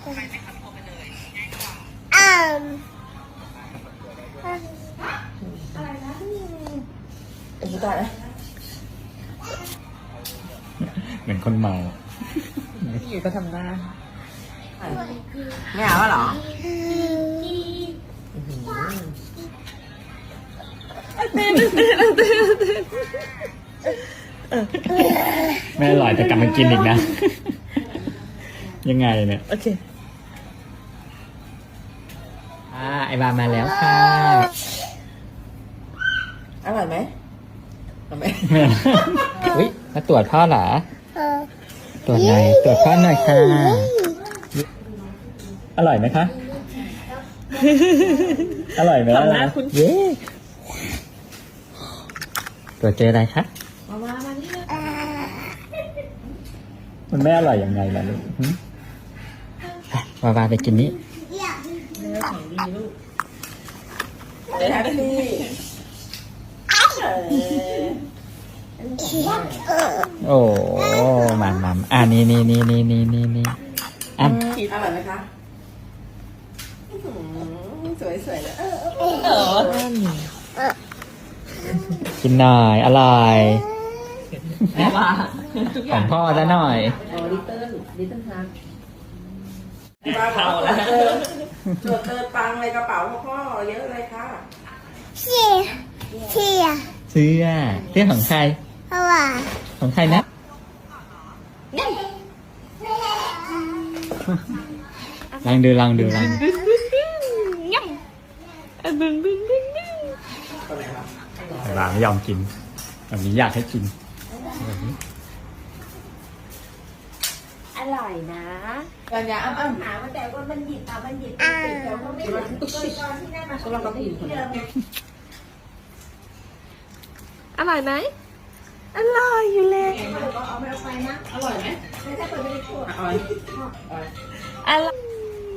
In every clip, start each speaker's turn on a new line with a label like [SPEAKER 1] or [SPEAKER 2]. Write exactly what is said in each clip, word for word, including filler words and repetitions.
[SPEAKER 1] อืม
[SPEAKER 2] เอ็งตายนะ
[SPEAKER 3] เหมือนคนเมา
[SPEAKER 2] พี่อยู่ก็ทำหน้าไม่เอาเหรอ
[SPEAKER 3] ไม่อร่อยแต่กลับมากินอีกนะ ยังไงเนี่ย
[SPEAKER 2] โอเค
[SPEAKER 3] อ่าไอบามาแล้วค่ะ
[SPEAKER 2] อร่อยไหมทำไม
[SPEAKER 3] อุ้ยมาตรวจพ่อเหรอ
[SPEAKER 1] เออ
[SPEAKER 3] ตรวจหน่อยตรวจพ่อหน่อยค่ะ อร่อยไหมคะ อร่อยไหม
[SPEAKER 2] ทำหน้าคุณ
[SPEAKER 3] เย้ตรวจเจออะไรคะ
[SPEAKER 2] มามามานี่เลย
[SPEAKER 1] อ่า
[SPEAKER 3] มันไม่อร่อยยังไงล่ะลูกหึอ่ะวาวาไปกินนี้
[SPEAKER 2] เนื้อของดีลูกเดี๋ยวทำดีเออ
[SPEAKER 3] โอ้มามามอ่านี่นี่นี่นี่นี่นี่นี่อ่ะ
[SPEAKER 2] คิดอร่อยไหมคะสวยสวยเลยเออเออ
[SPEAKER 3] กินหน่อยอร่อย
[SPEAKER 2] แม่ว่าทุกอ
[SPEAKER 3] ขอย่าง งพ่อซะหน่อย
[SPEAKER 2] โอ้ลิตเติ้ลลิตเติ้ลฮักเข่าแล้วเออตรวจเติมตังเลยกระเป๋าพ่อเยอะเลยค่ะ
[SPEAKER 1] เชี่ยเชี่ย
[SPEAKER 3] เสื้อเสื้อของใคร
[SPEAKER 1] เพราะว่า
[SPEAKER 3] ของใครนะลองดูลองดูลองดูไอ้บาไม่ยอมกินแบบนี้อยากให้กินแบบนี้
[SPEAKER 4] อร่อยนะ
[SPEAKER 2] กันยาอ้ำอ้ำ
[SPEAKER 4] หามาแต่ว่ามันหยิบอ่ะมันหยิบติดแต่ว่าไม่เหมือนตอนที่ได้มา
[SPEAKER 2] สำหรับเราผู้หญิงคนนี้
[SPEAKER 4] อร่อยไหมอร่อยอยู่เลย
[SPEAKER 2] เอาไม่เอาไปนะอร่อยไหม
[SPEAKER 4] ถ้าเปิดไม่ได้พูด
[SPEAKER 2] อร่อย
[SPEAKER 4] อร่อย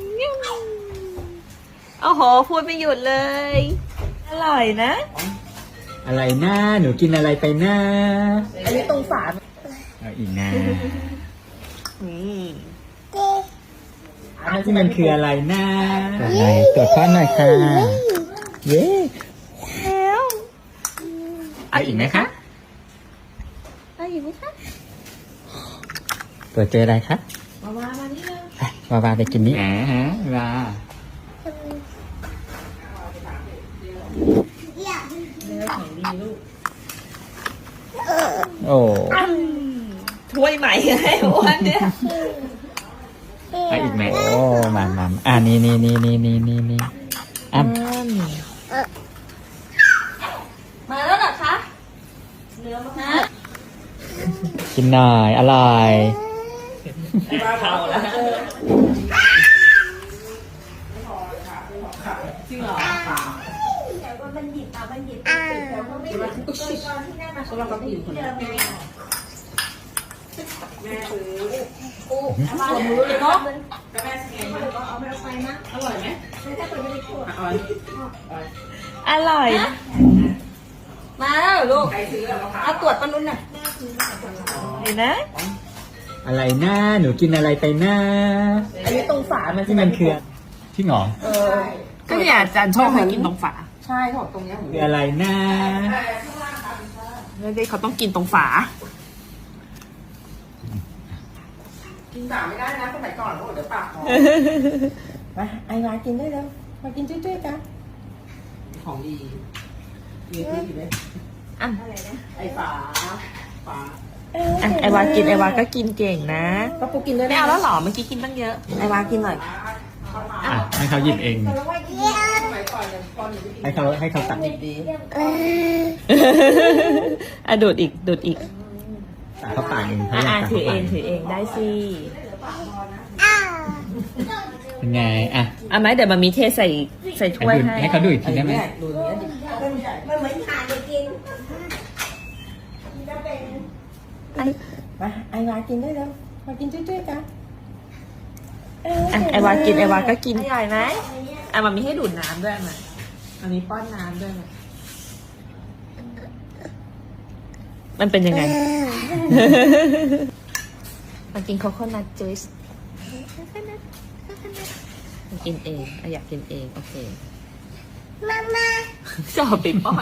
[SPEAKER 4] โอ้โหพูดไม่หยุดเลย อร่อยนะ
[SPEAKER 3] อะไรนะหนูกินอะไรไปนะ
[SPEAKER 2] อันนี้ตรงฝา
[SPEAKER 3] เอาอีกนะ
[SPEAKER 4] นี่
[SPEAKER 1] เจ๊
[SPEAKER 3] ที่มันคืออะไรนะไหนตรวจพ่อหน่อยค่ะเย้
[SPEAKER 4] แล้ว
[SPEAKER 3] เอาอีกไหมคะ
[SPEAKER 4] เอาอยู่ไหมคะ
[SPEAKER 3] ตรวจเจออะไรคะ
[SPEAKER 2] มามามานี่เลย
[SPEAKER 3] วาวาไปกินนี้แหมฮะวา
[SPEAKER 2] เนื้อของดีลูก
[SPEAKER 3] โอ้
[SPEAKER 4] ถ้วยใหม่ให้อ้วนเนี่ย
[SPEAKER 3] เอาอีกไหมโอ้มามาอ่านี่นี่นี่นี่นี่นี่นี่อ่ะ
[SPEAKER 4] มาแล้วเหรอคะเนื้อมาก
[SPEAKER 3] กินหน่อยอร่อย
[SPEAKER 2] เข่าแล้วจริงเหรอ
[SPEAKER 4] แต่ว่ามันหยิบอ่ะมันหยิบติดแต่ว่าไม่เหมือนตอนที่ได้มา
[SPEAKER 2] สำหรับเราผู้หญิงคนนี้
[SPEAKER 4] เดิมเลย
[SPEAKER 2] แม่ซื้อ
[SPEAKER 4] สมรู้เลยเนาะ
[SPEAKER 2] ก็แม่ซื้อมา
[SPEAKER 4] เอาไปเอาไปนะ
[SPEAKER 2] อร่อยไหม
[SPEAKER 4] ถ้าเปิดไม่ได้พูด
[SPEAKER 2] อร่อย
[SPEAKER 4] อร่อยนะมาแล้วเหรอลูก
[SPEAKER 2] ใครซื้ออะมะพร้าว
[SPEAKER 4] เอาตรวจปนุนน่ะเห็นนะ
[SPEAKER 3] อะไรนะหนูกินอะไรไปนะ
[SPEAKER 2] อันนี้ตรงฝามัน
[SPEAKER 3] ที่มันคือที่หงอ
[SPEAKER 2] เออก็เนี่ยอาจารย์ชอบให้กินตรงฝาใช่เขาบอกตรงเนี้ย
[SPEAKER 3] คืออะไรนะ
[SPEAKER 2] ไม่ได้เขาต้องกินตรงฝากินฝาไม่ได้นะสมัยก่อนเขาบอกเดี๋ยวปากหอมมาไอ้มากินได้แล้วมากินจุ้ยๆกันของดีมีที่ดีไหม
[SPEAKER 4] อ่ะ
[SPEAKER 2] ไอ้ฝาฝา
[SPEAKER 4] อ่ะไอวากินไอวาก็กินเก่งนะ
[SPEAKER 2] ก็ปูกินด้วย
[SPEAKER 4] ไม่เอาแล้วเหรอเมื่อกี้กินตั้งเยอะไอวากินหน่อย
[SPEAKER 3] อ่ะให้เขาหยิบเอง
[SPEAKER 2] สมัยก่อนเนี่ยตอนอยู่ที่
[SPEAKER 3] ให้เขาให้เขาตัก
[SPEAKER 2] ดีดี
[SPEAKER 1] เออ
[SPEAKER 4] อ่ะดูดอีกดูดอีก
[SPEAKER 3] ตักเขาปากเองเขา
[SPEAKER 4] อ่ะ
[SPEAKER 3] อยา
[SPEAKER 4] อ่ะ
[SPEAKER 3] กตัก
[SPEAKER 4] ถือ
[SPEAKER 3] เขา
[SPEAKER 4] เอ
[SPEAKER 3] ปาก
[SPEAKER 4] งถือเองได้สิ
[SPEAKER 1] อ้าว
[SPEAKER 3] เป็นไงอ่ะ
[SPEAKER 4] อ่ะไหมเดี๋ยวมามีเทใส่ใส่ถ้วยให้
[SPEAKER 3] ให้เขาดูอีกทีได้ไหม
[SPEAKER 2] ดูอย่างเงี้ยดิ
[SPEAKER 4] มันเหมือนทานเลยกิน
[SPEAKER 2] มาไอ้มากินได้แล้วมากินจุ้ยๆกัน
[SPEAKER 4] อ่ะไอวากินไอวาก็กินใหญ่ไหมอ่ะมามีให้ดูดน้ำด้วยมามามีป้อนน้ำด้วยมามันเป็นยังไง มากินโคโคนัทจูสค่อยๆนะค่อยๆนะกินเองอ่ะอยากกินเองโอเค
[SPEAKER 1] มามา
[SPEAKER 4] จะเอาไปป้อน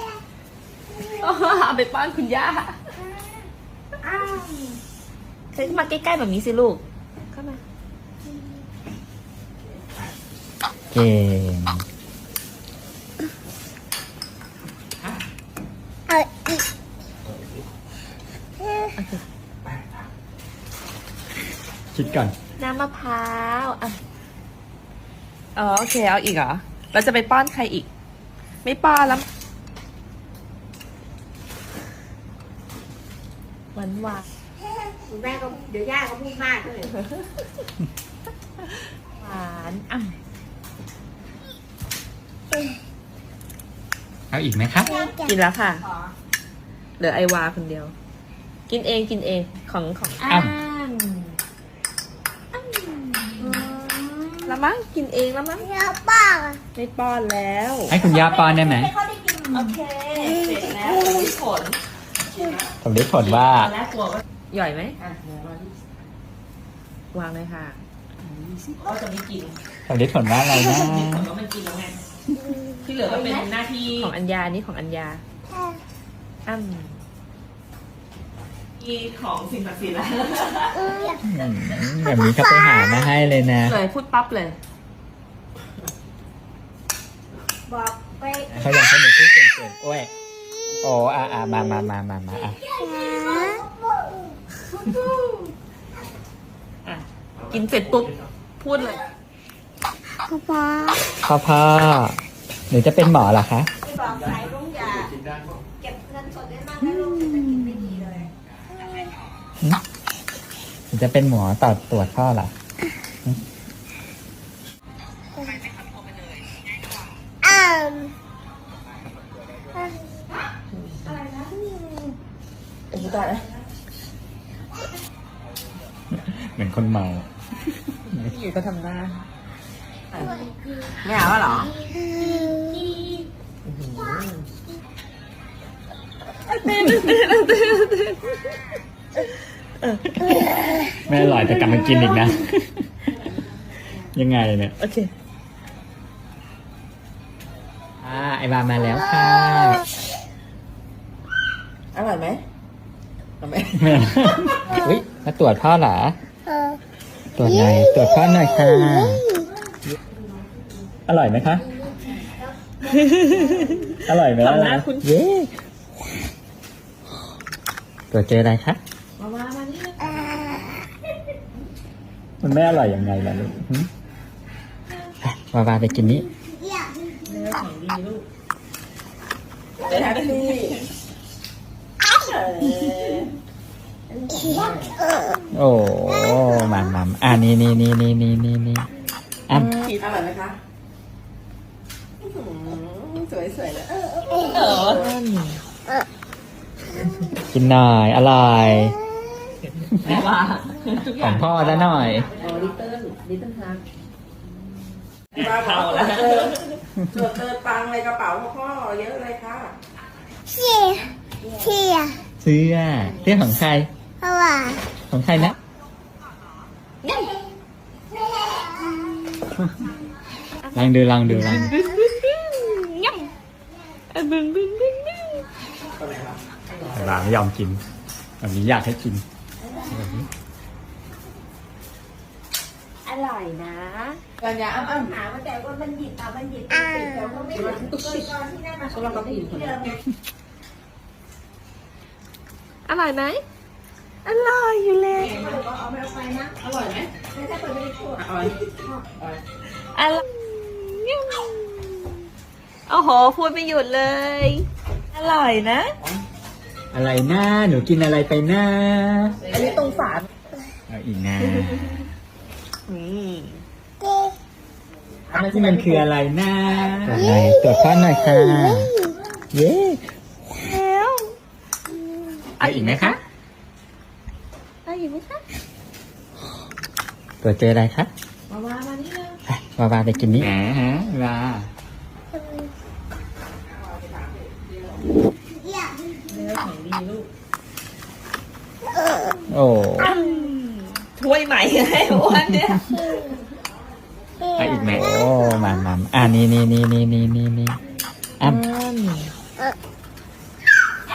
[SPEAKER 4] เอาไปป้อนคุณย่า
[SPEAKER 1] อ้าว
[SPEAKER 4] เฮ้ยมาใกล้ๆแบบนี้สิลูกเข้ามา
[SPEAKER 3] เก่ง
[SPEAKER 1] เอาอีก
[SPEAKER 3] คิดก่อน
[SPEAKER 4] น้ำมะพร้าวอ่ะอ๋อโอเคเอาอีกเหรอเราจะไปป้อนใครอีก ไม่ป้อนแล้วหวานหวาน
[SPEAKER 1] แม่ก็เดี๋ยวย่าก็พูดมากเลย
[SPEAKER 4] หวานอ่ะ
[SPEAKER 3] เอาอีกไหมครับ
[SPEAKER 4] กินแล้วค่ะเหลือไอวาคนเดียว กินเองกินเองของของ
[SPEAKER 3] อ้ำ
[SPEAKER 4] แล้วมั้งกินเองแล้วมั้ง
[SPEAKER 1] เดี๋ยวป้า
[SPEAKER 4] ไม่ป้อนแล้ว
[SPEAKER 3] ให้คุณย่าป้อนได้ไหม
[SPEAKER 4] โอเคเสร็จแล้วผล
[SPEAKER 3] ผมได้ผลว่า
[SPEAKER 4] ตอนแรกกลัวว่าหย่อยไหม
[SPEAKER 2] อ่ะเดี๋ยวรอที่
[SPEAKER 4] วางเลยค่ะก็จะไม่กิน
[SPEAKER 3] ผมได้ผลว่าอะไรนะ
[SPEAKER 4] ผลว่ามันกินแล้วไงที่เหลือก็เป็นหน้าที่ของอัญญานี่ของอัญญาอ้ำมีของสิ่งศักดิ์สิทธิ์แล้ว
[SPEAKER 3] อืมแบบนี้เขาไปหามาให้เลยนะ
[SPEAKER 4] เลยพูดปั๊บเลย
[SPEAKER 1] บอกไป
[SPEAKER 3] เขาอยากให้หนูพูดเก่งๆโอ้ยโอ้อ่ะอ่ะมามามามามาอ่ะ
[SPEAKER 4] อ่ะกินเสร็จปุ๊บพูดเลย
[SPEAKER 1] ป้า
[SPEAKER 3] พ่อพ่อหนูจะเป็นหมอเหรอคะ
[SPEAKER 1] บอกใครลุงอย่าเก็บเงินสดได้มากนะลูกเศรษฐกิจไม่ดีเลย
[SPEAKER 3] หึหนูจะเป็นหมอต่อตรวจพ่อเหรอ
[SPEAKER 1] อ้าว
[SPEAKER 4] โอ้ยตายแล้ว
[SPEAKER 3] เหมือนคนเมา
[SPEAKER 4] อยู่ก็ทำหน้า
[SPEAKER 2] ไม่เอาแล้วเหรอ
[SPEAKER 3] ไม่อร่อยแต่กลับมากินอีกนะ ยังไงเนี่ย
[SPEAKER 4] โอเค
[SPEAKER 3] อ่าไอบามาแล้วค่ะ
[SPEAKER 2] อร่อยไหมอร่อยไหม
[SPEAKER 3] แม่อุ้ยมาตรวจพ่อเหรอ
[SPEAKER 1] เออ
[SPEAKER 3] ตรวจหน่อยตรวจพ่อหน่อยค่ะ อร่อยไหมคะ อร่อยไหม
[SPEAKER 4] ทำหน้าคุณ
[SPEAKER 3] เย้ตรวจเจออะไรคะ
[SPEAKER 4] มามามานี่
[SPEAKER 1] อ่า
[SPEAKER 3] มันไม่อร่อยยังไงล่ะลูกหึไปวาวาไปกินนี้
[SPEAKER 1] อยาก
[SPEAKER 4] เนื้อของดีลูก
[SPEAKER 2] ไปแฮปปี้
[SPEAKER 3] โอ้หมันมันอ่านี่นี่นี่นี่นี่นี่นี่อ่ะ
[SPEAKER 2] อร่อยไหมคะอื้อหือสวยๆเลยเออ
[SPEAKER 4] เออ
[SPEAKER 3] กินหน่อย อร่อย
[SPEAKER 4] แต่ว่าทุกอ
[SPEAKER 3] ขอย่าง งพ่อซะหน่อย
[SPEAKER 2] โอ้ลิตเติ้ลลิตเติ้ลฮักป้าบอกว่าเจอเจอเจอตังค์ในกระเป๋าพ่อเยอะเลยค่ะ
[SPEAKER 1] เชี่ยเชี่ย
[SPEAKER 3] เสื้อเสื้อของใคร
[SPEAKER 1] เพราะว่า
[SPEAKER 3] ของใครนะ ลองดูลองดูลองดู
[SPEAKER 4] ย่ำเอ้ยบึ้งบึ้งบึ้งบึ้ง
[SPEAKER 3] หลานไม่ยอมกินแบบนี้อยากให้กิน
[SPEAKER 4] อร่อยนะ
[SPEAKER 2] กันยาอ้ำอ้ำ
[SPEAKER 1] หามาแต่ว่ามันหยิบอ่ะมันหยิบอ่ะเดี๋ยวก็ไม่หยิบตอนที่ได้มา
[SPEAKER 2] ก็เราก็กินคนเดียว
[SPEAKER 4] อร่อยไหมอร่อยอยู่เลย
[SPEAKER 1] เอาไปเอาไปนะ
[SPEAKER 2] อร่อยไหม
[SPEAKER 1] ไม่ใช่คนไม่ได้พูด
[SPEAKER 2] อร่อยอร่อย
[SPEAKER 4] อร่อยโอ้โหพูดไม่หยุดเลย อร่อยนะ
[SPEAKER 3] อะไรนะหนูกินอะไรไปนะ
[SPEAKER 4] อันนี้ตรงฝา
[SPEAKER 3] เอาอีกนะ
[SPEAKER 4] อืม
[SPEAKER 3] ที่มันคืออะไรนะตรวจหน่อยตรวจพ่อหน่อยค่ะ เย้
[SPEAKER 4] แล้ว
[SPEAKER 3] เอาอีกไหมคะ
[SPEAKER 4] เอาอีกไหมคะ
[SPEAKER 3] ตรวจเจออะไรคะ
[SPEAKER 4] มามามานี่เลย
[SPEAKER 3] ไปวาวาไปกินนี้แหมฮะวา
[SPEAKER 1] อยาก
[SPEAKER 4] เนื้อของดีลูก
[SPEAKER 3] โอ้
[SPEAKER 4] ถูถ้วยใหม่ให้อ้วนเนี่ย
[SPEAKER 3] อ่ะอีกไหมโอ้มามาอ่านี่นี่นี่นี่นี่นี่นี่อ่ะ
[SPEAKER 4] อืม